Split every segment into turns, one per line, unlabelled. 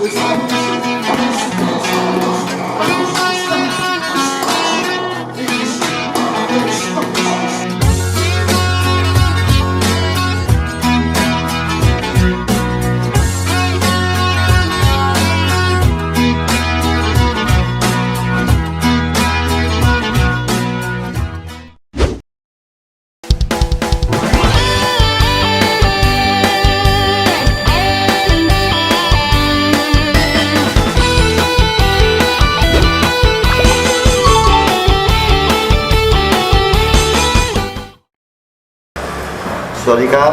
สวัสดีครับ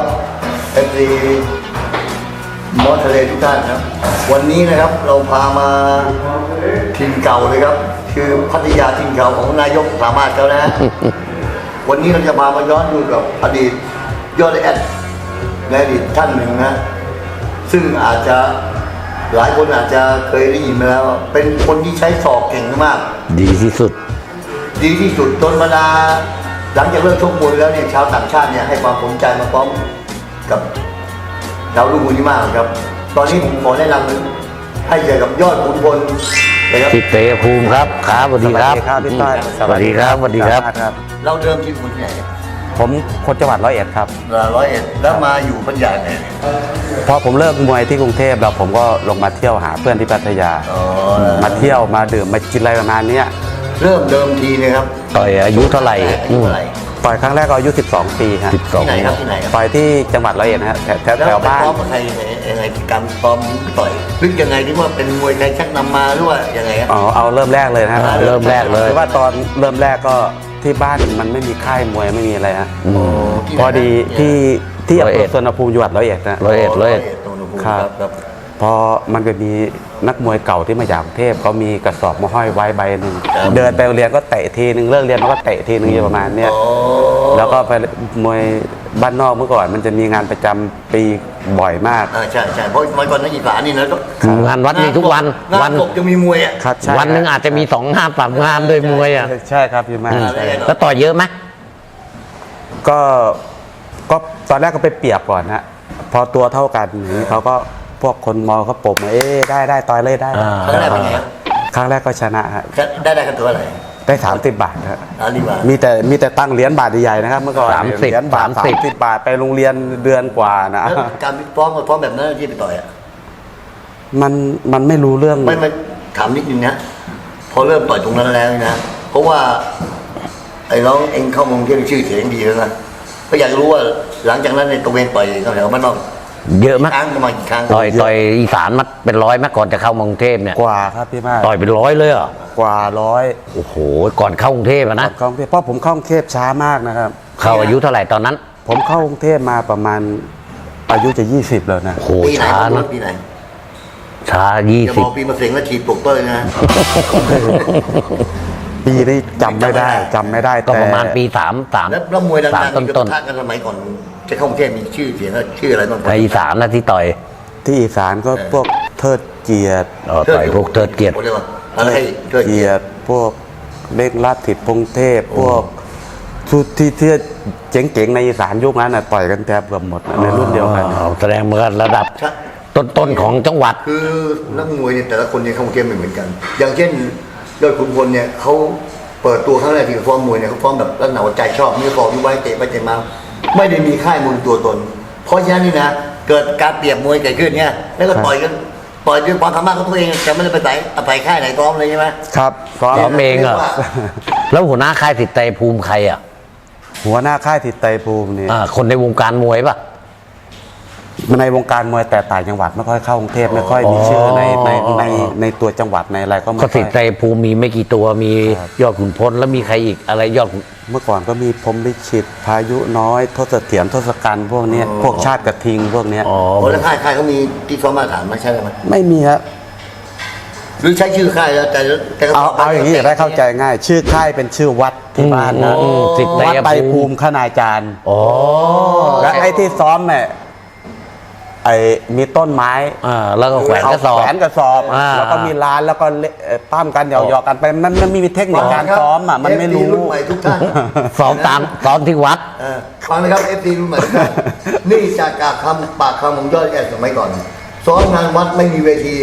FC มอทะเลทุกท่านครับวันนี้นะครับเราพามาถิ่นเก่าเลยครับคือพัทยาถิ่นเก่าของนายกสามารถเขานะ วันนี้เราจะพามาย้อนดูกับอดีตยอดแอดในอดีตท่านหนึ่งนะซึ่งอาจจะหลายคนอาจจะเคยได้ยินมาแล้วเป็นคนที่ใช้ศอกเก่งมาก
ดีที่สุด
จนบรรดาหลังจากเลิกชกมวยแล้วเนี่ยชาวต่างชาติเนี่ยให้ความสนใจมาพร้อมกับดาวรุ่งคนนี้มากครับตอนนี้ผมขอแนะนำให้เจอกับยอดขุนพลนะครับ
สิทธิ์เตภูมิครับสวัสดีครับ
พี่ต้อย
สวัสดีครับ
เราเดิมที่คนที่ไหน
ผมคนจังหวัดร้อยเอ็ดครับ
101แล้วมาอยู่พัทยาไง
พอผมเลิกมวยที่กรุงเทพแล้วผมก็ลงมาเที่ยวหาเพื่อนที่พัทยามาเที่ยวมาดื่มมากินอะไรประมาณนี้
เริ่มเดิมทีนะครับ
ต่อยอายุเท่าไหร่
ต่อยครั้งแรกก็อายุ12 ปีครับ
ที่ไหนครับ
ต่อยที่จังหวัดร้อยเอ็ดนะฮะแถวบ้าน
ซ้อมกับใครยังไงการซ้อมต่อยลึกยังไงที่ว่าเป็นมวยไทยชักนำมาหรือว่ายังไงครับ
เอาเริ่มแรกเลยนะ
เริ่มแรกเลย
ว่าตอนเริ่มแรกก็ที่บ้านมันไม่มีค่ายมวยไม่มีอะไรฮะพอดีที่อำเภอสุวรรณภูมิจังหวัดร้อยเอ็ดนะ
ร้อยเอ็ด
ครับพอมันก็มีนักมวยเก่าที่มาจากกรุงเทพเขามีกระสอบมาห้อยไว้ใบหนึ่งเดินไปเรียนก็เตะทีนึงเลิกเรียนมันก็เตะทีนึงอยู่ประมาณเนี้ยแล้วก็ไปมวยบ้านนอกเมื่อก่อนมันจะมีงานประจำปีบ่อยมาก
ใช่เพราะเมื่อก่อนนักกีฬานี่นะ
งานวัดมีทุกวัน
ตกจะมีมวยอ่ะ
วันนึงอาจจะมี2 งาน3 งานโดยมวยอ่ะ
ใช่ครับพี่มา
แล้วต่อยเยอะไหม
ก็ตอนแรกก็ไปเปรียบก่อนฮะพอตัวเท่ากันนี้เขาก็พวกคนมอเขาปมได้ต่อยเลยได้
ครั้งแรกเป็นไง
ครั้งแรกก็ชนะฮะ
ได้กันตัวอะไร
ได้30 บาทครับมีแต่ตั้งเหรียญบาทใหญ่นะครับเมื่อก่อนเหรียญบาท30 บาทไปโรงเรียนเดือนกว่านะ
การฟ้องแบบนั้นที่ไปต่อยอ่ะ
มันไม่รู้เรื่อง
ไม่ถามนิดนึงนะพอเริ่มต่อยตรงนั้นแล้วนะเพราะว่าไอ้น้องเองเข้ามงที่ชื่อเสียงดีแล้วนะก็อยากรู้ว่าหลังจากนั้นในตัวเองต่อยเขาแถวบ้านนอก
เยอะมาก
ประมาณกี่ครั้ง
ต่อยอีสานมาเป็น100มั้ยก่อนจะเข้ากรุงเทพเนี่ย
กว่าครับพี่มา
ต่อยเป็น100เลยเหรอก
ว่า100
โอ้โหก่อนเข้ากรุงเทพนะ
เพราะผมเข้ากรุงเทพช้ามากนะครับ
เข้าอายุเท่าไหร่ตอนนั้น
ผมเข้ากรุงเทพมาประมาณอายุจะ20แล้วนะ
โอ้โหช้านะ
ปีไหน
ช้า
20ปีมาเสียงแล้วฉีดปลุกเต้ยนะ
ปีนี้จำไม่ได้
ก็ประมาณปี3
แล้วมวยดังๆต้นกันสมัยก่อนจะเข้ากรุงเทพมีชื่อเสียงชื่ออะไรบ้าง
ในอีสานนะที่ต่อย
ที่อีสานก็พวกเทิดเกียรติ
ต่อยพวกเทิดเกียรติ
อะไร
เทิดเกียรติพวกเล็กลัดถิดพงเทพพวกชุดที่เจ๋งๆในอีสานยุคนั้นน่ะต่อยกันแทบเกือบหมดในรุ่นเดียวกัน
แสดงเหมือนระดับต้นของจังหวัด
คือนักมวยเนี่ยแต่ละคนเนี่ยเข้ากรุงเทพไม่เหมือนกันอย่างเช่นยอดขุนพลเนี่ยเขาเปิดตัวครั้งแรกที่ฟ้องมวยเนี่ยเขาฟ้องแบบรักหนาใจชอบมีฟอร์มมีไว้เตะไปเตะมาไม่ได้มีค่ายมวยตัวตนเพราะฉะนั้นนี่นะเกิดการเปรียบมวยเกิดขึ้นเนี่ยแล้วก็ต่อยด้วยความสามารถของตัวเองจะไม่ได้ไปใส่ค่ายไหนซ้อมเลยใช่ไหม
ครับ
ซ้อมเองเหรอแล้วหัวหน้าค่ายสิทธิ์เตภูมิใครอ่ะ
หัวหน้าค่ายสิทธิ์เตภูมินี่
คนในวงการมวยป่ะ
ในวงการมวยแต่ต่างจังหวัดไม่ค่อยเข้ากรุงเทพไม่ค่อยมีชื่อในตัวจังหวัดในอะไรก็ไม่ค่อย
สิทธิ์เตภูมิมีไม่กี่ตัวมียอดขุนพลแล้วมีใครอีกอะไรยอด
เมื่อก่อนก็มีพรหมลิขิตพายุน้อยทศเถียรทศกัณฐ์พวกนี้พวกชาติกระทิงพวกนี้
แล้วค่ายเขามีที่ซ้อมมาตรฐานไม่ใช่ไหม
ไม่มีครับ
หรือใช้ชื่อค่ายแล้วแต่
เอาอย่างนี้จะได้เข้าใจง่ายชื่อค่ายเป็นชื่อวัดที่บ้านนะวัดไตรภูมิคณาจารย์และไอ้ที่ซ้อมเนี่ยมีต้นไม้
แล้วก็แขวนกระ
สอบแล้วก็มีร้านแล้วก็ปั้มกันหยอกกันไปมันมีเทคนิคการซ้อมมันไม่รู้
รุ่นใหม่ทุกท่าน
ซ้อมตอนที่วัด
ฟังนะครับFTรุ่นใหม่นี่จากปากคำของยอดแก่สมัยก่อนซ้อมงานวัดไม่มีเวที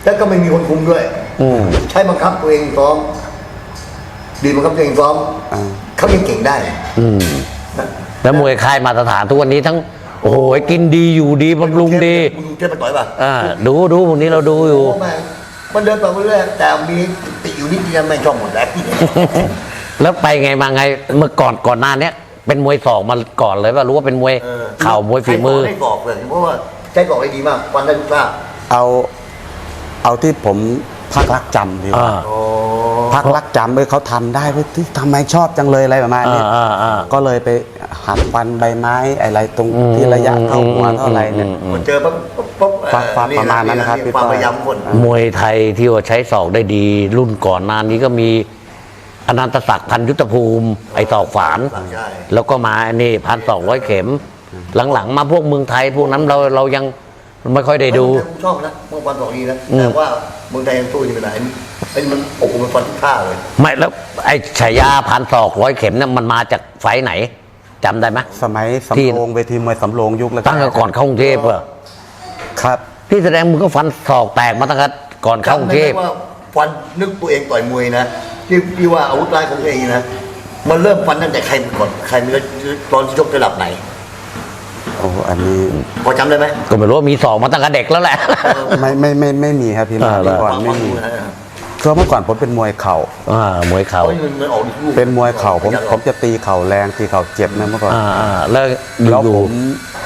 แล้วก็ไม่มีคนคุมด้วย ใช้บังคับตัวเองซ้อมดีบังคับตัวเองซ้อมเขายังเก่งได้
แล้วมวยค่ายมาตรฐานทุกวันนี้ทั้งโอ้โหกินดีอยู่ดีบำรุงดี
มึงเทพไปต่อยป่ะ
ดูพวกนี้เราดูอยู่
โแม่งมันเดินไปเรื่อยๆแต่มีติดอยู่นิดเดียวไม่ชอบหมดแล้ว
แล้วไปไงมาไงเมื่อก่อนหน้าเนี้ยเป็นมวยศอกมาก่อนเลยว่ารู้ว่าเป็นมวยเข่ามวยฝีมือ
ใช้บอกเลยเพราะว่าใช้บอกได้ดีมากวันได้ทุกท่า
เอาที่ผมพักรักจำดีกว่า
โอ้
พักรักจำเขาทำได้เว้ยทำไมชอบจังเลยอะไรประมาณนี้ก็เลยไปหัดฟันใบไม้อะไรตรงที่ระยะเท่าหัวเท่าไรเนี่ย
มันเจอปั๊บ
ประมาณนั้นนะครับพี่
ความ
ต้อย
พยายามคน
มวยไทยที่ว่าใช้ศอกได้ดี รุ่นก่อนหน้านี้ก็มีอนันตศักดิ์พันยุทธภูมิไอศอกฝาน
ใช่
แล้วก็มานี่1,200 เข็ม หลังๆมาพวกเมืองไทยพวกนั้นเรายังไม่ค่อยได้ดู
ผมชอบนะเมื่อวันสองนี้นะแต่ว่าเมืองไทยยังสู้อยู่ไหนไอ้มันโอ้โหมันฟันทุกท่าเลย
ไม่แล้วไอ้ฉายา1,200 เข็มเนี่ยมันมาจากไฟท์ไหนจำได้ไหม
สมัยสำโรงเวทีมวยสำโรงยุคแล้ว
ตั้งแต่ก่อนเข้ากรุงเทพเหรอ
ครับ
ที่แสดงมึงก็ฟันศอกแตกมาตั้งแต่ก่อนเข้ากรุงเทพ
จำได้ไหมว่าฟันนึกตัวเองต่อยมวยนะที่ว่าอาวุธร้ายของตัวเองนะมันเริ่มฟันตั้งแต่ใครก่อนใครมีตอนชกระดับไหน
โอ้อันนี้
พอจำได้ไหม
ก็ไม่รู้ว่ามีศอกมาตั้งแต่เด็กแล้วแหละ
ไม่มีครับพี่
อ่า
เมื่อก่อนไม่มีคือเมื่อก่อนผมเป็นมวยเข่า
มวยเข่า
มันออกลูก
เป็นมวยเข่าผมจะตีเข่าแรงตีเข่าเจ็บนะเมื่อก่อน
แล้ว
แล้ว
อยู่
ผม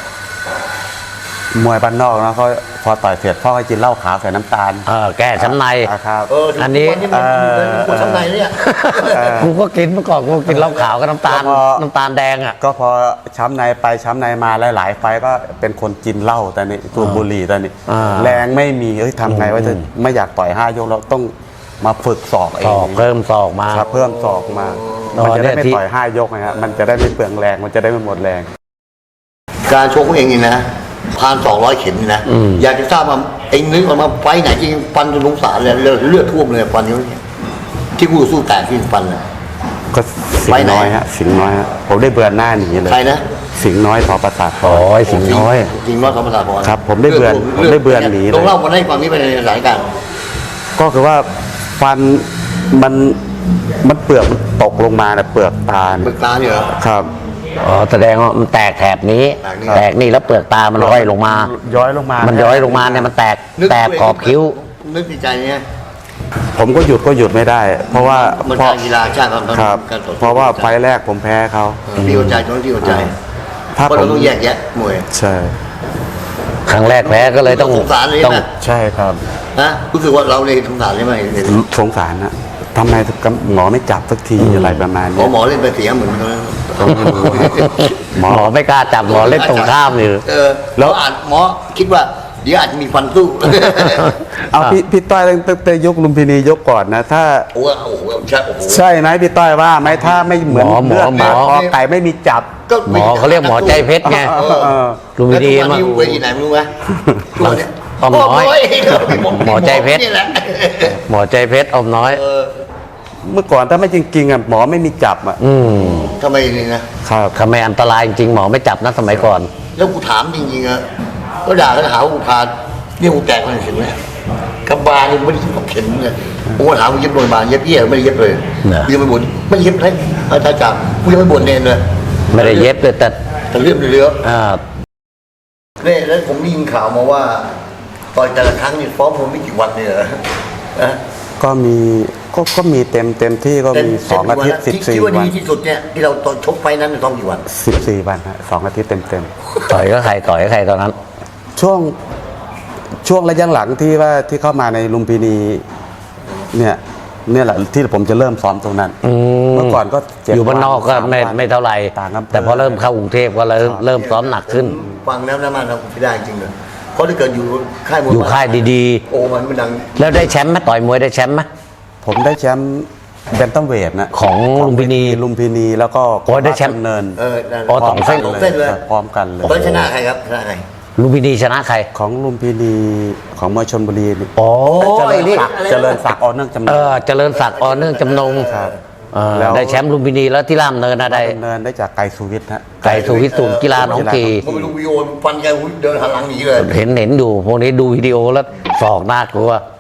มวยบ้านนอกนะเขาพอต่อยเสร็จพ่อให้กินเหล้าขาวใส่น้ำตาล
แก้ช้ำใน
ครับ
อันนี้
คนช้ำในเนี่ย
กูก็กินเมื่อก่อนกูกินเหล้าขาวกับน้ำตาลแดงอ่ะ
ก็พอช้ำในไปช้ำในมาหลายๆไฟก็เป็นคนกินเหล้าแต่นี่สูบบุหรี่แต่นี่แรงไม่มีทำไงว่าจะไม่อยากต่อย5 ยกเราต้องมาฝึกศอกเอ
ศอง กเพิ่มศอกมา
ครับเพิ่มศอกมา
อ๋อ
มันจะได้ไม่
เนี่ยที่
ต่อย5 ยกนะฮะมันจะได้ไม่เปลืองแรงมันจะได้ไม่หมดแรง
การชกของเองนี่นะ1,200 เข็มนี่นะอยากจะทราบว่าเองนึกออกมาไฟไหนจริงฟันจนสงสารเลยเลือดท่วมเลยฟันนี้ที่กูสู้แตกที่ฟันเลย
ก็สิงห์น้อยฮะสิงห์น้อยฮะผมได้เบือนหน้าหนีเลย
ใครนะ
สิงห์น้อยทอประสาทพร
โอ้ยสิงห์น้อย
จริงว่าธรรมศาสตร์พร
ครับผมได้เบือนหนีเลย
ต้องเล่ามาให้ฟังนี้เป็นในสถานการณ์
ก็คือว่าฟันมันเปลือกมันตกลงมาเนี่ยเปลือกตา
เบิกตาเนี่ยเหรอ
ครับ
แสดงว่ามันแตกแถบนี้
แตกนี่
แตกนี่แล้วเปลือกตามันร้อยลงมา
ย้อยลงมา
มันย้อยลงมาเนี่ยมันแตกขอบคิ้ว
นึกในใจเนี่ย
ผมก็หยุดไม่ได้ เพราะว่า
มัน
เพราะ
การกีฬาชาติความ
ครับ
การต่อสู้
เพราะว่าไฟล์แรกผมแพ้เขา
ที่หัวใจตรงที่หัวใจ
ถ้า
เพราะ
ผ
เรา
ม
ต้องแยกแยะมวย
ใช่
ครั้งแรกแพ้ก็เลยต้อง
สงสารเลย
ต้อง
นะ
ใช่ครับ
นะรู้สึกว่าเราเลยสงสารใช่ไหม
สงสารนะทำไมหมอไม่จับสักทีอะไรประมาณ
หม
นี้
อเล่นไปเสียเหมือนกัน
หมอไม่กล้าจับหมอเล่นตรงข้ามอยู่
แล้วอาจหมอคิดว่าเดี๋ยวอาจจะมีฟันสู้
เอาพี่ต้อยตั้งแต่ยกลุมพินียกก่อนนะถ้า
โอ้โหใช่โอ้โห
ใช่ไหมพี่ต้อยว่าไหมถ้าไม่เหมือน
หมอ
เลือดคอไก่ไม่มีจับ
หมอเขาเรียกหมอใจเพชรไง ลุมพินี
แล้วทุกวันนี้เวทีไหนไม่รู้ไหมทุกวันเนี้ย
อ้อมน้อย หมอใจเพชร
นี่แหละ
หมอใจเพชรอมน้อย
เมื่อก่อนถ้าไม่จริงๆอ่ะหมอไม่มีจับอ่ะ
ทำไมนี่นะครับ
ทำไมอันตรายจริงๆหมอไม่จับนะสมัยก่อน
แล้วกูถามจริงๆอะก็ด่าก็หาว่ากูพาเนี่ยกูแตกมันเห็นไหมกำบาลเนี่ยไม่ได้ยิบกับเข็มเนี่ยกูก็ถามกูเย็บโรงพยาบาลเย็บเยี่ยไม่ได้เย็บเลย
น่ะ
กูยังไม่บ่นไม่เย็บเลยอาจารย์จับกูยังไม่บ่นเนนเลย
ไม่ได้เย็บเลยแต่
แต่เรื่องเรือ
อ่า
เนี่ยแล้วผมได้ยินข่าวมาว่าต่อยแต่ละครั้งนี่ฟ้องผมไม่กี่วันเนี่ยเหรอนะ
ก็มีเต็มที่ก็มี2 อาทิตย์
ที่ว่า
14 วั
ดี
น
ที่สุดเนี่ยที่เราตอนชกไฟนั้นต้องกี่วัน
14 วันฮะ2 อาทิตย์เต็ม
ต่อยก็ใครต่อยก็ใครตอนนั้น
ๆช่วงระยะหลังที่เข้ามาในลุมพินีเนี่ยแหละที่ผมจะเริ่มซ้อมตรงนั้น เมื่อก่อนก็7
อยู่บ้านนอกก็
3
ไม่เท่าไหร่
ต่างอำเภอ
แต่พอเริ่มเข้ากรุงเทพก็เริ่มซ้อมหนักขึ้น
ฟังแล้วนะมันเราไม่ได้จริงเลยเพราะถ้าเกิดอยู่ค่ายมวย
อยู่ค่ายดี
โอ้มันดัง
ๆ แล้วได้แชมป์ไหมต่อยมวยได้แชมป์ไหม
ผมได้แชมป์แบนตัมเวทนะ
ของลุมพินี
ลุมพินีแล้วก็
โอ้ได้แชมป์
เนิน
อ๋อสองเส้น
สองเส้นเลย
พร้อมกันเลย
ตอนชนะใครครับชนะใคร
ลุมพินีชนะใคร
ของลุมพินีของมวยชนบุรีนี่
โอ้
เจริญศักดิ์ออเนื่องจำนง
เจริญศักดิ์อเนื่องจำนง
ครับ
แล้ว ได้แชมป์ลุมพินีแล้วที่ล่ามเนินนะได้
เนินได้จากไกรสุวิทย์ฮะ
ไก่สุวิทย์ศูนย์กีฬาหนองกี
ผมไปดูวิดีโอฟันแกเดินหันหลังหนีเลย
เห็นอยู่พวกนี้ดูวิดีโอแล้วศอกน่ากลัว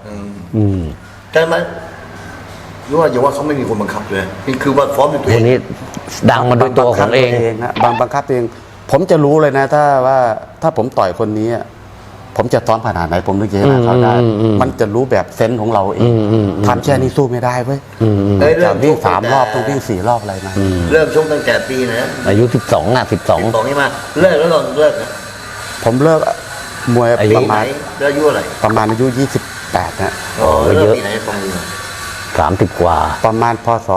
แต่มันรู้ว่าอย่าว่าเขาไม่มีคนบังคับเลยนี่คือว่าฟ้อมด้วยตัว
ค
เอน ง
นี้ดังมาด้วยตัวของเอง
ฮะบังคับตัวเอง ผมจะรู้เลยนะถ้าผมต่อยคนนี้อะผมจะซ้อมขนาดไหนผมนึกจะชนะเขาได้ มันจะรู้แบบเซนส์ของเราเองทำแค่นี้สู้ไม่ได้เว้ย
เอ้ยเริ่
จาก
ม
วิ่ง
ชก
3 รอบต้องวิ่ง4 รอบอะไรมา
เริ่มชกตั้งแต่ปีนะ
อายุ 12อ่ะ
สองนี่มาเลิกแล้วตอนเลิกนะ
ผมเลิกมวย
อายุ
ประ
ไหน
มาณ
แล้วอายุอะไร
อายุ 28นะ
อ๋อ
เย
เลิก
อะ
ปีไหนฟังดู
12 30 กว่า
ประมาณพศ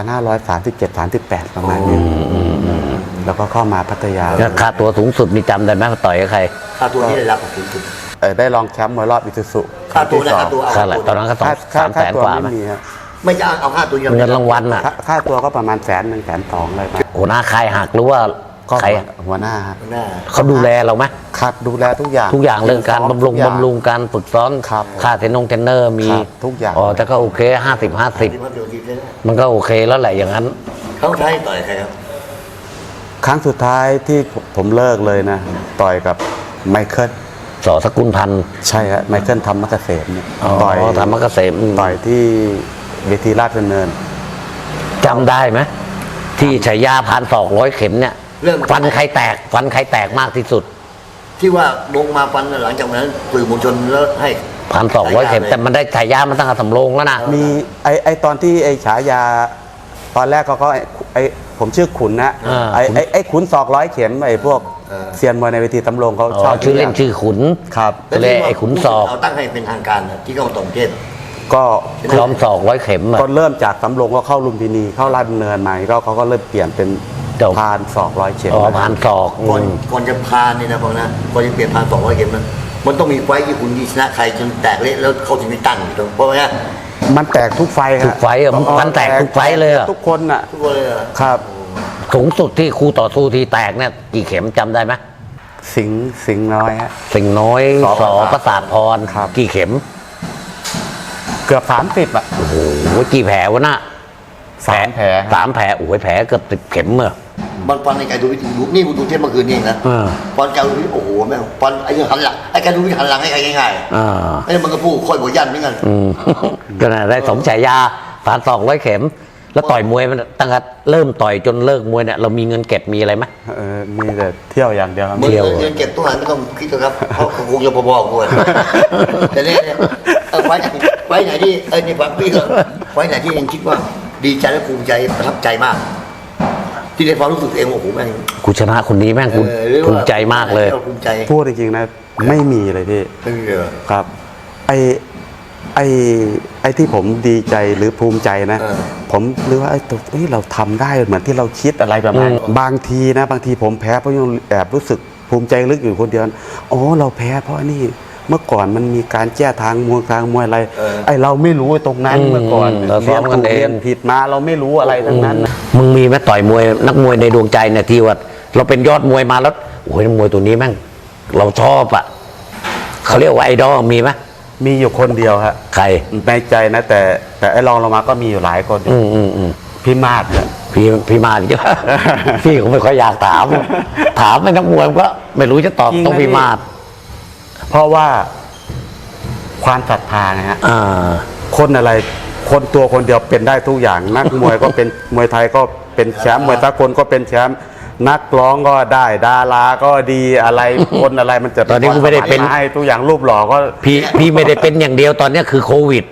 2537-38 ประมาณนี้แล้วก็เข้ามาพัทยา
ค่าตัวสูงสุดมีจำได้ไหมว่าต่อยกับใคร
ค่าตัวที่ได้รับของคุณ
ได้รองแชมป์มวยรอบอิซูซุ
ค่าตัวนะค่าตัว
ค่าอะไรตอนนั้นก็สอง
ค่า
300,000 กว่าไหม
ไม่มีฮะ
ไม่จะเอาค่าตัวเดียว
เงินรางวัลอ่ะ
ค่าตัวก็ประมาณ100,000 120,000เลยมา
หัวหน้าค่ายหักหรือว่า
ก็
ใคร
หัวหน้าฮะ
หน้า
เขาดูแลเราไหม
ครับดูแลทุกอย่าง
ทุกอย่างเรื่องการ
ซ้ม
บำรุง
ทุกอย่าง
บำรุงการฝึกซ้อม
ครับ
ค่าเทรนเนอร์มี
ครับทุกอย่าง
อ๋อแต่ก็โอเค50
ที่
50
มาเดี๋ยวทีเลยนะ
มันก็โอเคแล้วแหละอย่างนั้น
เขาใช้ต่อยใครครับ
ครั้งสุดท้ายที่ผมเลิกเลยนะ ต่อยกับไมเคิล
สอสกุลพันธ์
ใช่ฮะไมเคิลธรรมเกษมเนี่ย
ต่อยธรรมเกษม
ต่อยที่เวทีราชดำเนิน
จำได้ไหมที่ฉายา1,200 เข็มเนี่ย
เริ่ม
ฟันใครแตกมากที่สุด
ที่ว่าลงมาฟันหลังจากนั้นสื่อมวลชนแล้วให้
1,200 เข็มแต่มันได้ฉายามันตั้งแต่สำโรงแล้วนะ
มีไอตอนที่ไอฉายา ตอนแรกก็ไอผมชื่อขุนนะ
อ่า
ไอขุน200 เข็มไอพวกเซียนมวยในเวทีตำรงเขา
อ๋
ชอ
อบ ชื่อเล่นชื่อขุน
ครับ
ก็เลยไอ้ขุนศอก
เราตั้งให้เป็นทางการนะที่เขาต่อประเทศ
ก็
ล้อม200 เข็มอะ
ก็เริ่มจากตำรงก็เข้าลุมพินีเข้าราชดำเนินมาก็เขาก็เริ่มเปลี่ยนเป็น
เจ้า
พาน200 เข็ม
อ๋อผ่านศอก
ก่อนจะพานนี่นะพอนะก่อนจะเปลี่ยนพาน200 เกมนะมันต้องมีไฟท์ที่คุณชนะใครจนแตกเละแล้วเขาถึงได้ตั้งอยู่ตรงเพราะว่า
มันแตกทุกไฟฮะ
ทุกไฟต์อะมันแตกทุกไฟต์เลยอะ
ทุกคนน่ะ
ทุกคนเลยเหรอ
ครับ
สูงสุดที่ครูต่อสู้ที่แตกเนี่ยกี่เข็มจำได้ไหม
สิงห์น้อยฮะ
สิ่งน้อย
สอ
สอประสาทพร
ครับ
กี่เข็ม
เกือบ30อ่ะ
โอ้โหกี่แผลวะน่ะ
3 แผล
สามแผลโอ้ยแผลเกือบ10 เข็มเมื่อ
มันฟันในไก่ดูวิธีดูนี่กูดูเทปเมื่อคืนนี่เองนะ
อ่า
ฟันไก่ดูวิธีโอ้โหแม่งฟันไอ้ยังหันหลังไอ้ไก่ดูวิธีหันหลังให้ใครง่าย
อ่า
ๆไอ้มันก็พูดค่อยบอกยันเหมือนกัน
อืม ก็น่ะได้สมฉายา1,200 เข็ม แล้วต่อยมวยมันตั้งแต่เริ่มต่อยจนเลิกมวยเนี่ยเรามีเงินเก็บมีอะไรไหม
มีแต่เที่ยวอย่างเดียวครับ
มึง
เที่ยว
เงินเก็บตู้หันไม่ต้องคิดหรอกครับเพราะคงจะพอๆด้วยแต่เนี่ยไฟไหนที่นี่ฟังพี่ก็ไฟไหนที่ยังคิดว่าดีใจและภูมิใจประทับใจมาก ที่ได้ความรู้สึกตัวเองว่าโอ้โหแม่ง
กูชนะคนนี้แม่งกู
หรือว่า
ภูมิใจมากเลย
ภูมิใจ
พูดจริงๆนะไม่มีเลยพี่
ไม่มีเลยเหรอ
ครับไอ้ที่ผมดีใจหรือภูมิใจนะ
เออ
ผมหรือว่าเราทำได้เหมือนที่เราคิดอะไรประมาณนี้บางทีผมแพ้เพราะยังแอบรู้สึกภูมิใจลึกอยู่คนเดียวอ๋อเราแพ้เพราะนี่เมื่อก่อนมันมีการแก้ทางมวยอะไร ไอ้เราไม่รู้ตรงนั้นเมื่อก่อน
เราซ้อมกันเอง
เรียนผิดมาเราไม่รู้อะไรทั้งนั้น
มึงมีไหมต่อยมวยนักมวยในดวงใจเนี่ยที่ว่าเราเป็นยอดมวยมาแล้วโอ้ยนักมวยตัวนี้แม่งเราชอบอ่ะเขาเรียกว่าไอดอลมีไหม
มีอยู่คนเดียวฮะ
ใคร
ในใจนะแต่ไอ้รองลงมาก็มีอยู่หลายคน พี่มาดเนี่ย
พี่มาดิ พี่ก็ไม่ค่อยอยากถาม ถามไอ้นักมวยก็ไม่รู้จะตอบ
จริงนะ
ต้องพี่มาด
เพราะว่าความศรัทธาไงฮะ
อ่า
คนอะไรคนตัวคนเดียวเป็นได้ทุกอย่าง นักมวยก็เป็น มวยไทยก็เป็นแชมป์มวยสากลก็เป็นแชมป์นักร้องก็ได้ดาราก็ดีอะไรคนอะไรมันจะ
ตอนนี้กูไม่ได้เป็น
ให้ทุกอย่างรูปหล่อก็
พี่ไม่ได้เป็นอย่างเดียวตอนเนี้ยคือโควิด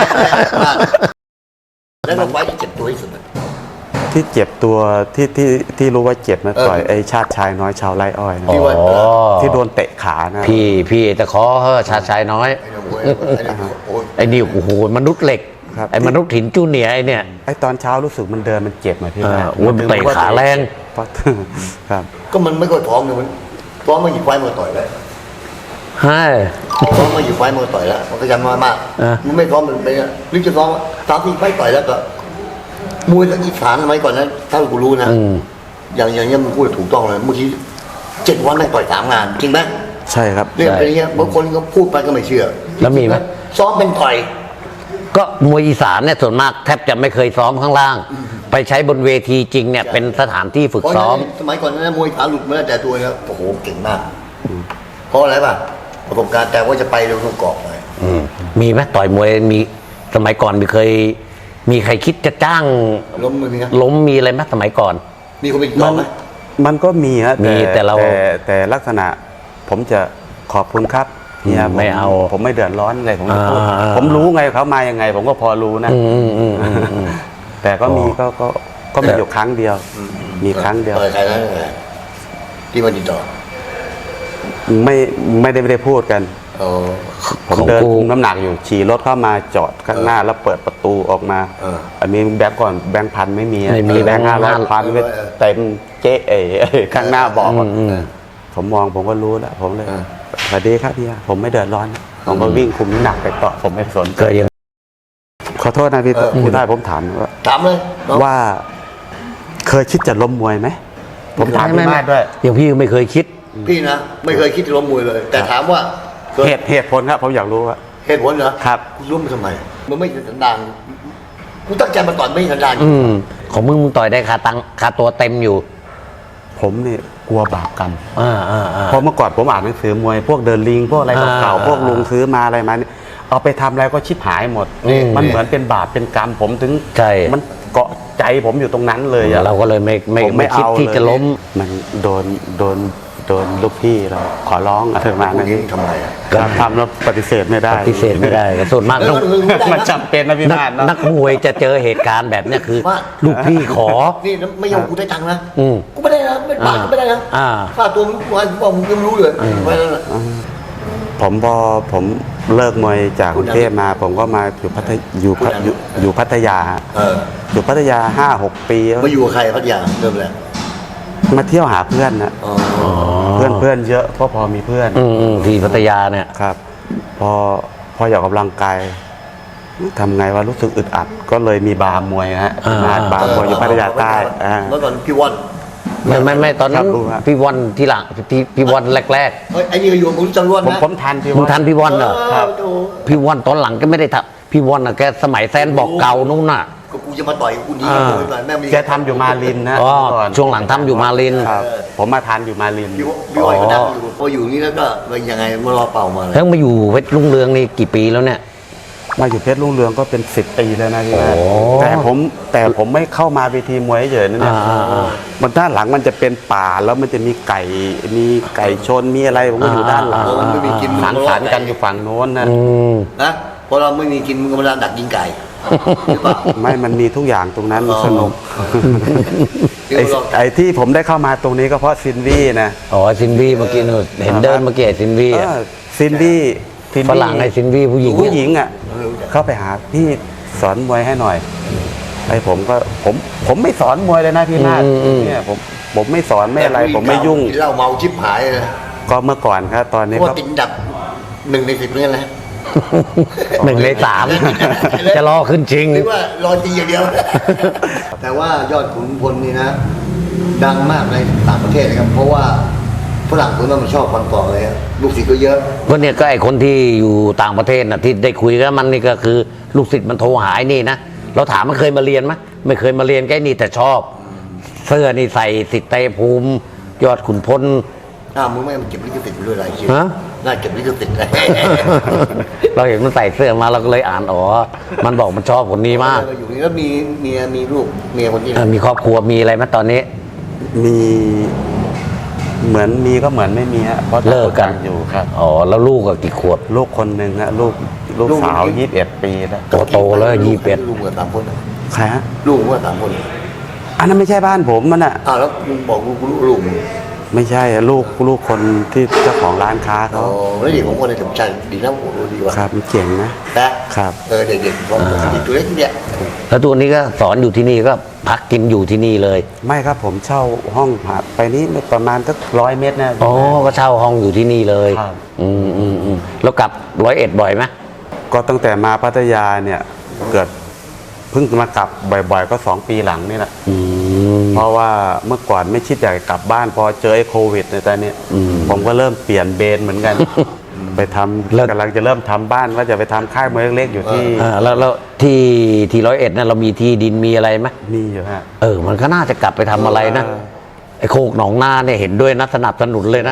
แล้วก็ไฟที่เจ็บตัวที่สุดอะ
ที่เจ็บตัวที่รู้ว่าเจ็บนะ
เออ
ต่อยไอ้ชาติชายน้อยชาวไร่อ้อยนะ
ที่ว่า
อ๋อ
ที่โดนเตะขานะ
พี่แต่ขอเฮ้อชาติชายน้อย
ไอ้เนี่ยโอ้ยไอ้เนี่ยโอ้ย
ไอ้นี่โอ้โหมนุษย์เหล็ก
ครับ
ไอ้มนุษย์หินจูเนียร์ไอ้เนี่ย
ไอ้ตอนเช้ารู้สึกมันเดินมันเจ็บมาพี่
เออ
นะ
โอ้ยมันเตะขาแรง
เพราะ ครับ
ก็มันไม่ค่อยพร้อมเลยมันพร้อมมาอยู่ไฟมือต่อยเลย
ใช่
พร้อมมาอยู่ไฟมือต่อยแล้วมันก็ยังน้อยมาก
อ่ะ
มันไม่พร้อมมันเป็นอะหรือจะพร้อมตามที่ไฟต่อยแล้วก็มวยทั้งอีสานสมัยก่อนนั้นถ้ากูรู้นะ
อืม
อย่างเงี้ยมันพูดถูกต้องเลยเมื่อกี้7 วันแม่งต่อย3 งานจริงไหม
ใช่ครับ
เรื่องเป็นอย่างเงี้ยบางคนก็พูดไปก็ไม่เชื่อ
แล้วมีไหม
ซ้อมเป็นต่อย
ก็มวยอีสานเนี่ยส่วนมากแทบจะไม่เคยซ้อมข้างล่าง ไปใช้บนเวทีจริงเนี่ยเป็นสถานที่ฝึก
เพราะ
ซ้อม
ฉะนั้นสมัยก่อนนั้นมวยขาหลุดมาแล้วแต่ตัวแล้วโอ้โหเก่งมากเพราะอะไรป่ะประสบการณ์แต่ว่าจะไปเร็วทุกเกาะเลย
มีไหมต่อยมวยมีสมัยก่อนมีใครคิดจะจ้าง
ล้มมือมีครับ
ล้มมีอะไรไหมสมัยก่อน
มีคนไปต่อไหม
มันก็มีฮะ
มีแต่เรา
แต่ลักษณะผมจะขอบคุณครับเนี่ย
ไม่เอา
ผมไม่เดือดร้อนอะไรผมจะพูด
อ่า
ผมรู้ไงเขามายังไง ผมก็พอรู้นะ แต่ก็มีก็มีอยู่ครั้งเดียว มีครั้งเดียว
ต่อยใครนะที่มาติดต่อ
ไม่ได้พูดกัน
อ๋อ
ผมเดินคุมน้ำหนักอยู่ขี่รถเข้ามาจอดข้างหน้าแล้วเปิดประตูออกมา อันนี้แบงก์ก่อนแบงก์พันไม่มี
ไม่มี
แบงก์500 พันก็เต็มเจ๊ข้างหน้าบอกอะผมมองผมก็รู้แล้วผมเลยสวัสดีครับพี่ผมไม่เดือดร้อนผมก็วิ่งคุมน้ำหนักไปต่อผมไม่สน
เกิดยัง
ขอโทษนะพี่พี่ได้ผมถาม
ถามเลยน้อง
ว่าเคยคิดจะล้มมวยไหมผมถามพี่มาศด้วย
อย่างพี่ไม่เคยคิด
พี่นะไม่เคยคิดจะล้มมวยเลย แต่ถามว่าเคย
เหตุผลครับผมอยากรู้ว่า
เหตุผลเหรอ
ครับ
คุณล้มทำไมมันไม่สันดานกูตั้งใจมาต่อยไม่สันดาน
ของมึงต่อยได้ค่าตัวเต็มอยู่
ผมเนี่ยกลัวบาปกรรม
อ่า
เพราะเมื่อก่อนผมอ่านหนังสือมวยพวกเดินลิงพวกอะไรเก่าๆพวกลุงซื้อมาอะไรมาเนี่ยเอาไปทำอะไรก็ชิบหายหมด มันเหมือนเป็นบาปเป็นกรรมผมถึง
ใช่
มันเกาะใจผมอยู่ตรงนั้นเลยอะ
เราก็เลยไม่คิดที่จะล้ม
มันโดนลูกพี่เราขอร้องอะไรประมาณ
พว
นั้
ก
น
นี้ทำไมอ่ะ
ก็ทำแล้วปฏิเสธไม่ได้
ปฏิเสธไม่ได้ส่วนมากต้อง
มันจำเป็นนะพี่มาศเนอะ
นักมวยจะเจอเหตุการณ์แบบเนี้ยคือ
ว่า
ลูกพี่ขอ
นี่ไม่ยอมกูได้ตังค์นะ
อืม
กูไม่ได้นะไม่บาทก็ไม่ได้นะ
อ่า
ค่าตัวมึงบอกมึงยังรู้เลยไปแล้วนะ
ผมพอผมเลิกมวยจากกรุงเทพมา ผมก็มาอยู่พัทยอยู่พัทยา อยู่พัทยา5-6 ปี
มาอยู่กับใครพัทยาเริ่มแรก
มาเที่ยวหาเพื่อนนะ
อ๋อ
เพื่อนเยอะเพราะพอมีเพื่อน
ที่พัทยาเนี่ย
ครับ พออยากออกกำลังกายทำไงว่ารู้สึกอึดอัด ก็เลยมีบาร์มวยฮะมาบาร์มวยอยู่พัทยาใต้
เมื่อก่อนพี่วอน
ไม่ตอนนั้น
ครับรู้ครับ
พี่วอนที่หลังพี่วอนแรก
เฮ้ยไอ้นี่ก็อยู่ผมจำรวด
ผม
นะ
ผมทันพี่
ๆมึง
ว่า
ทันพี่วอนเหรอ
ครับ
โอ้โห
พี่วอนตอนหลังก็ไม่ได้ทำพี่วอนน่ะแกสมัยแซนบอกเก่านู่นน่ะ
ก็กูจะมาต่อยกูหนีกับกูก่อนแม่มี
แกทำอยู่มาลินนะ
อ๋อ
ก่อน
ช่วงหลังทำอยู่มาลิน
ครับ ผมมาทันอยู่มาลิน
พี่วอนก็ดังอยู่พออยู่นี่แล้วก็เป็นยังไงมารอเป่ามาเลย
แล้วมาอยู่เพชรรุ่งเรืองนี่กี่ปีแล้วเนี่ย
มาอยู่เพชรรุ่งเรืองก็เป็น10 ปีแล้วนะพี่นะ
โอ้
แต่ผมไม่เข้ามาเวทีมวยเฉยๆนะเนี่ย มันด้านหลังมันจะเป็นป่าแล้วมันจะมีไก่ชนมีอะไรผมก็อยู่ด้านหลัง
มันไม่มีกิน
สังสรรค์กันอยู่ฝั่งโน้นนะ
นะพอเราไม่มีกินมึงก็มาดักยิงไก่หรือเปล่า
ไม่มันมีทุกอย่างตรงนั้น
อ๋อ
สนุก
เดี๋ยวเรา
ไอ้ที่ผมได้เข้ามาตรงนี้ก็เพราะซินวี่นะ
อ๋อซินวี่เมื่อกี้นู่นเห็นเดินเมื่อกี้ไอ้ซินวี่อะ
ซินวี่
ฝรั่งไอ้ซินวี่ผู้หญิง
ผู้หญิงอ่ะเข้าไปหาพี่สอนมวยให้หน่อยไอ้ผมไม่สอนมวยเลยนะพี่นาฏเนี่ยผมไม่สอนไม่อะไร ผมไม่ยุ่ง
กินเหล้าเมาชิบหายเลย
ก็เมื่อก่อนครับตอนนี้
เพราะ
ก็
ว่าติดดับ1 ใน 10เนี่ยนะ
1 ใน 3 จะรอขึ้นจริง
หรือว่ารอจริงอย่างเดียว แต่ว่ายอดขุนพลนี่นะ ดังมากในต่างประเทศนะครับ เพราะว่าฝรั่งคนนั้นมันชอบฟันต่อเลยอะลูกศิษย์ก็เยอะ
ก็เนี่ยก็ไอ้คนที่อยู่ต่างประเทศนะที่ได้คุยกับมันนี่ก็คือลูกศิษย์มันโทรหายนี่นะเราถามมันเคยมาเรียนไหมไม่เคยมาเรียนแค่นี่แต่ชอบ เสื้อนี่ใส่สิทธิ์เตภูมิ ยอดขุนพล
มึงไม่เก็บลิขสิทธิ์ด้วยอะไรชื่อ
ฮะ
น่าเก็บลิขสิทธิ์เลย
เราเห็นมันใส่เสื้อมาเราก็เลยอ่านอ๋อมันบอกมันชอบคนนี้มาก
อยู่นี่แล้วมีเมียมีลูกเมียคนนี้
มีครอบครัวมีอะไรไหมตอนนี้
มีเหมือนมีก็เหมือนไม่มีฮะเพราะ
เลิกกัน
ต่างอยู่ครับ
อ๋อแล้วลูกก็กี่ขวบ
ลูกคนหนึ่งฮะลูกสาว21 ปีแล้ว
โตแล้ว21
ลูกกับ3 คนนะ
ใครฮะ
ลูกว่า3 คน
อันนั้นไม่ใช่บ้านผมมันอ่ะ
แล้วมึงบอกลูกมึง
ไม่ใช่อะลูกคนที่เจ้าของร้านค้า
อ๋
เขา
อแล้วเด็กของคนในสมชายดีนะโอ้โหดีว่ะ
ครับมันเจ๋งนะ
นะครับ เด็กๆพร้อมเด็กตัวเล็กเนี่ย
แล้วตัวนี้ก็สอนอยู่ที่นี่ก็พักกินอยู่ที่นี่เลย
ไม่ครับผมเช่าห้องไปนี้ประมาณสัก100 เมตรนะ
อ๋อก็เช่าห้องอยู่ที่นี่เลย
ครับ
แล้วกลับ101บ่อยไหม
ก็ตั้งแต่มาพัทยาเนี่ยเกิดเพิ่งมากลับบ่อยๆก็2 ปีหลังนี่แหละเพราะว่าเมื่อก่อนไม่คิดอยากจะกลับบ้านพอเจอไอ้โควิดในตอนนี้ผมก็เริ่มเปลี่ยนเบนเหมือนกัน ไปทำกำลังจะเริ่มทำบ้านว่าจะไปทำค่ายมวยเล็กๆอยู่ที่
แล้วที่101นั่นเรามีที่ดินมีอะไรไหม
นี่อยู่ฮะ
มันก็น่าจะกลับไปทำอะไรนะไอ้โคกหนองนาเนี่ยเห็นด้วยนะสนับสนุนเลยนะ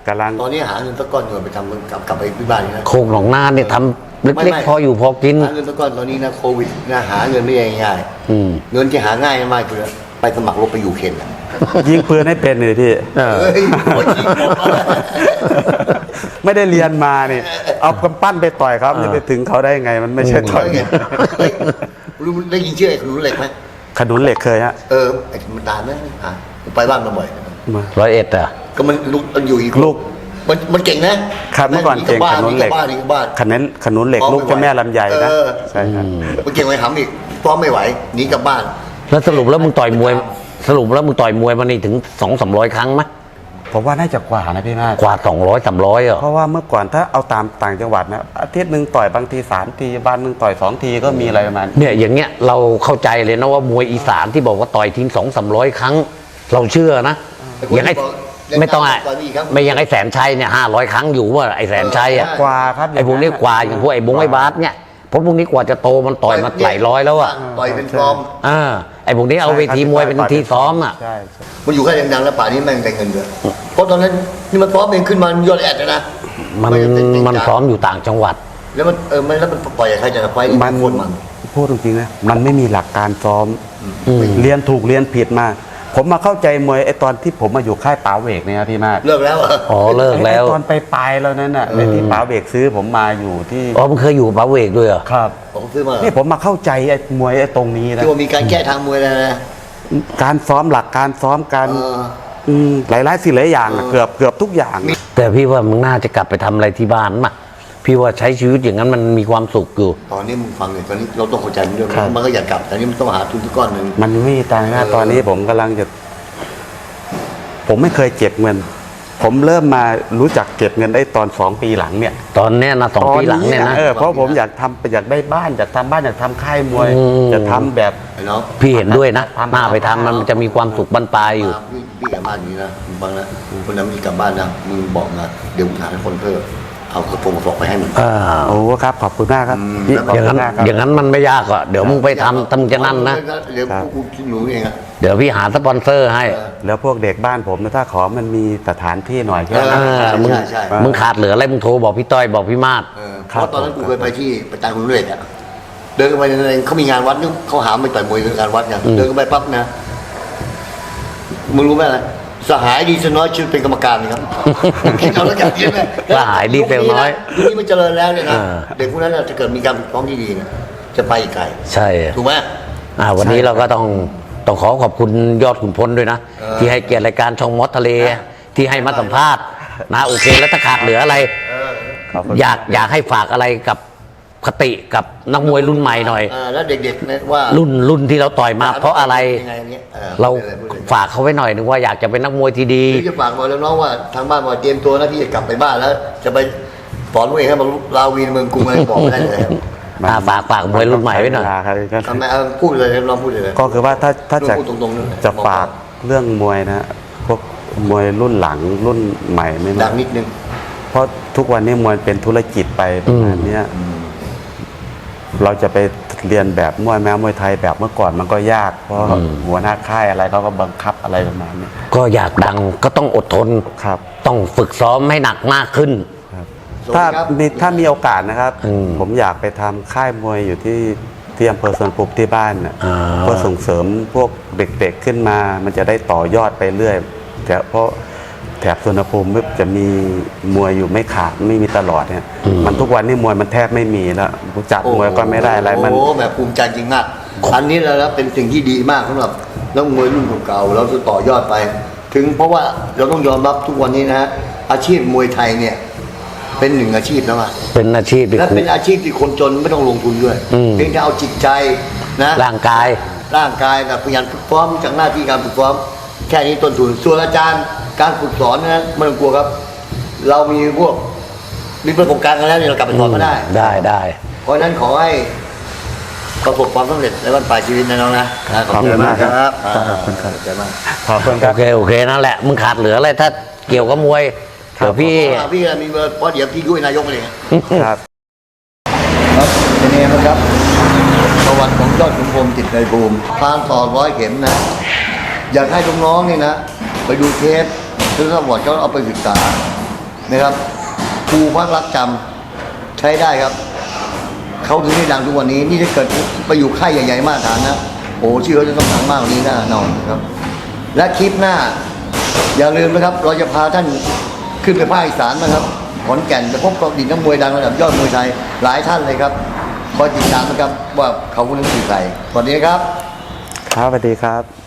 กำลัง
ตอนนี้หาเงินสักก้อนเงินไปทำกลับไปที่บ้านนี่นะ
โคกหนองนาเนี่ยทำเล็กๆพออยู่พอกิน
หาเงินสักก้อนตอนนี้นะโควิดนะหาเงินไม่ได้ง่าย
อืม
เงินที่หาง่ายมากคือไปสมัครรบไปยูเครนอะ
ยิงปืนให้เป็นเลยพี่
เออ
เฮ้ยโอ้ยจริงเหรอ
ไม่ได้เรียนมาเนี่ยเอากำปั้นไปต่อยเขาจะไปถึงเขาได้ไง มันไม่ใช่ต่อย
เฮ้ยรู้ได้ยินชื่อไอ้คุณรู้เหล็กไหม
ขนุนเหล็กเคยฮะ
ไอ้มันตามนะผมไปบ้านมาบ่อย
มา
101อ่ะ
ก็มันลูกมันอยู่อีก
ลูก
มันเก่งนะครับ
เมื่อก่อนเก่งขนุนเหล็ก
บ้านนี่ก็บ้าน
ขนุนเหล็กลูกเจ้าแม่ลำไยนะใช่ครับ
มันเก่งไว้ทำอีกฟ้องไม่ไหวหนีกลับบ้าน
แล้วสรุปแล้วมึงต่อยมวยมานี่ถึง200-300 ครั้งไหม
ผมว่าน่าจะกว่านะพี่มาก
กว่า200-300อ่ะ
เพราะว่าเมื่อก่อนถ้าเอาตามต่างจังหวัดนะอาทิตย์หนึ่งต่อยบางที3 ทีวันหนึ่งต่อย2 ทีก็มีอะไรประมาณ
เนี่ยอย่างเงี้ยเราเข้าใจเลยนะว่ามวยอีสานที่บอกว่าต่อยทิ้ง200-300 ครั้ง เราเชื่อนะอย่างไอ้ไม่ต้องไม่อย่างไอ้แสนชัยเนี่ย500 ครั้งอยู่ว่าไอ้แสนชัยอ่ะ
กว่าครับ
ไอ้พวกนี้กว่าอย่างพวกไอ้บงไอ้บาสเนี่ยเพราะพวกนี้กว่าจะโตมันต่อยมาหลายร้อยแล้วอ่ะ
ต่อยเป็นฟอร์ม
ไอ้พวกนี้เอาเวทีมวยเป็นที่ซ้อมอ่ะ
ใช่ใช่
มันอยู่แค่ดังๆแล้วป่านนี้แม่งได้เงินเยอะเพราะตอนนั้นนี่มันฟ้อมเองขึ้นมายอดแอดเลยนะ
มันซ้อมอยู่ต่างจังหวัด
แล้วมันแล้วมันปล่อยใครจะไฟ
มัน
คนมัน
พูดจริงๆนะมันไม่มีหลักการซ้อมเรียนถูกเรียนผิดมา ผมมาเข้าใจมวยไอ้ตอนที่ผมมาอยู่ค่ายป๋าเวกเนี่ยครับพี่มาก
เลิกแล้วเหรอ
อ๋อเลิกแล้ว
ไอ้ตอนไปปลายแล้วนั่นน่ะไอ้ที่ป๋าเวกซื้อผมมาอยู่ที่
อ๋อมันเคยอยู่กับป๋าเวกด้วยเหรอ
ครับ
ผมซื้อมา
นี่ผมมาเข้าใจไอ้มวยไอ้ตรงนี้นะ
ที่ว่ามีการแก้ทางมวยแล้วนะ
การซ้อมหลักการซ้อมการ
เออ
หลายๆสิ่งหลายอย่างอะเกือบทุกอย่าง
แต่พี่ว่ามึงน่าจะกลับไปทำอะไรที่บ้านมาพี่ว่าใช้ชีวิตอย่างนั้นมันมีความสุขอยู่
ตอนนี้มึงฟังเลยตอนนี้เราต้องเข้าใจมันด้วย
ครับ
มันก็อยากกลับแต่นี่มันต้องหาทุนทุกก้อนหนึ่ง
มันไม่มีตังค์นะตอนนี้ผมกำลังจะ ผมไม่เคยเก็บเงิน ผมเริ่มมารู้จักเก็บเงินได้ตอน2 ปีหลังเนี่ย
ตอนเนี้ยนะ2 ปีหลังเนี่ยนะ
เพราะผมอยากได้บ้านอยากทำบ้านอยากทำค่ายมวย
อืม
จะทำแบบ
ไอ้น้อง
พี่เห็นด้วยนะหน้าไปทำมันจะมีความสุขบรรปลายอยู่
พี่กลับบ้านอย่างนี้นะมึงฟังนะคนนั้นมีกลับบ้านนะมึงบอกนะเดี๋ยวมึงหาให้คนเพิ่มเอากระโปรงกระสอบไปให้มึง
โอ้ครับขอบคุณมากครับ
อืม
พี่
แล้ว
ขอบ
อย่าง
คุ
นั้
ณ
น
มากครับ
อย่างนั้นมันไม่ยากอ่ะเดี๋ยวมึงไปทำมึงจะนั่นนะ
เดี๋ยวกูคิดหนูเองอะ
เดี๋ยวพี่หาสปอนเซอร์ให้
แล้วพวกเด็กบ้านผมนะถ้าขอมันมีสถานที่หน่อยแค่
เอ
นั้น
อ
มึง
ใช่
มึงขาดเหลืออะไรมึงโทรบอกพี่ต้อยบอกพี่มาศ
เพราะตอนนั้นกูเคยไปที่ประจานคุณเรศอะเดินเข้าไปในเขามีงานวัดนึกเขาหาไม่ต่อยมวยในงานวัดไงเดินเข้าไปปั๊บนะมึงรู้ไหมอะไรสหายดีเซลน้อยชื่อเป็นกรรมการนะครับคิดเอาแล้วกันคิดไหม
สหายดีเซลน้อย
ยุคนี้มันเจริญแล้วเนี่ยนะ
อ่า
เด็กพวกนั้นน่ะถ้าเกิดมีการฝึกซ้อมที่ดีเนี่ยจะไปอีกไกล
ใช่
ถูกไหม
วันนี้เราก็ต้องขอขอบคุณยอดขุนพลด้วยนะ ที่ให้เกียรติรายการช่องมอสทะเลที่ให้มาสัมภาษณ์นะโอเคแล้วถ้าขาดเหลืออะไร
ขอบคุณ
อยากให้ฝากอะไรกับคติกับนักมวยรุ่นใหม่หน่อย
แล้วเด็กๆเนี่ยว่า
รุ่นที่เราต่อยมาเพราะอะไร
ยังไงเนี่ย
เรา
พูดเลย
ฝากเขาไว้หน่อยนึงว่าอยากจะเป็นนักมวยที่ดี
พี่จะฝากบอกแล้วน้องว่าทางบ้านบอกเตรียมตัวนะพี่จะกลับไปบ้านแล้ว จะไปสอนตัวเองให้มาลาวีนเมืองกรุงอะไรบอกไม่ได้เลยครับ
ฝากมวยรุ่นใหม่ไว้หน่อย
ครับ
ทำไมเอาพูดเลยลองพูดเลย
ก็คือว่าถ้าจะ
พูดตรงๆเลย
จะฝากเรื่องมวยนะพวกมวยรุ่นหลังรุ่นใหม่ไม่
ดั
มาง
นิดนึง
เพราะทุกวันนี้มวยเป็นธุรกิจไปประมาณเนี้ยเราจะไปเรียนแบบมวยแม้มวยไทยแบบเมื่อก่อนมันก็ยาก เพราะหัวหน้าค่ายอะไรเขาก็บังคับอะไรประมาณนี้
ก็อยากดังก็ต้องอดทน
ครับ
ต้องฝึกซ้อมให้หนักมากขึ้น
ถ้ามีโอกาสนะครับ
อืม
ผมอยากไปทำค่ายมวยอยู่ที่อำเภอสวนภูมิที่บ้านน่ะ
อ่า
เพื่อส่งเสริมพวกเด็กๆขึ้นมา มันจะได้ต่อยอดไปเรื่อยเพราะแถบสวนภูมิจะมีมวยอยู่ไม่ขาดไม่มีตลอดเนี่ย มันทุกวันนี้มวยมันแทบไม่มีแล้วจัดมวยก็ไม่ได้อะไรมัน
โอ้แบบภูมิใจจริงมากอันนี้แล้วเป็นสิ่งที่ดีมากสำหรับนักมวยรุ่นเก่าๆเราจะต่อยอดไป ถึงเพราะว่าเราต้องยอมรับทุกวันนี้นะฮะอาชีพมวยไทยเนี่ย เป็นหนึ่งอาชีพแล้วอะ
เป็นอาชีพที่
และ
คุ้
เป็นอาชีพที่คนจนไม่ต้องลงทุนด้วย
อืม
เพียงแต่เอาจิตใจนะ
ร่างกาย
ร่างกายกับพยายามฝึกซ้อมจากหน้าที่การฝึกซ้อมแค่นี้ต้นทุนส่วนอาจารย์การฝึกสอนนะไม่ต้องกลัวครับ เรามีพวกมีประสบการณ์กันแล้วเนี่ยเรากลับไปสอนก็ได้
ได้
เพราะฉะนั้นขอให้ประสบความสำเร็จในวันปลายชีวิตนะน้องนะ
ขอบคุณมากครับ
ขอบคุณครับขอบคุณมาก
ขอบคุณค
โอ
รับ
เคนั่นแหละมึงขาดเหลืออะไรถ้าเกี่ยวกับมวยเดี๋ยวพี่
พี่มีเบอร์เพราะเดี๋ยวพี่ด้วยนายกเลย
ครับ
ครับเป็นไงบ้างครับประวัติของยอดขุนพรหมจิตในภูมิพานต่อ100 เข็มนะ อยากให้น้องๆนี่นะ ไปดูเทปหรือประวัติเขาเอาไปศึกษานะครับครูพักรักจำใช้ได้ครับเขาถึงได้ดังทุกวันนี้นี่ถ้าเกิดไปอยู่ค่ายใหญ่ๆมากฐานนะโอ้ชื่อเขาจะต้องดังมากกว่านี้แน่นอนครับและคลิปหน้าอย่าลืมนะครับเราจะพาท่านขึ้นไปภาคอีสานนะครับขอนแก่นจะพบกับดินน้ำมวยดังระดับยอดมวยไทยหลายท่านเลยครับคอยติดตามนะครับว่าเขาคนนั้นคือใครสวัสดีครับ
ครับสวัสดีครับ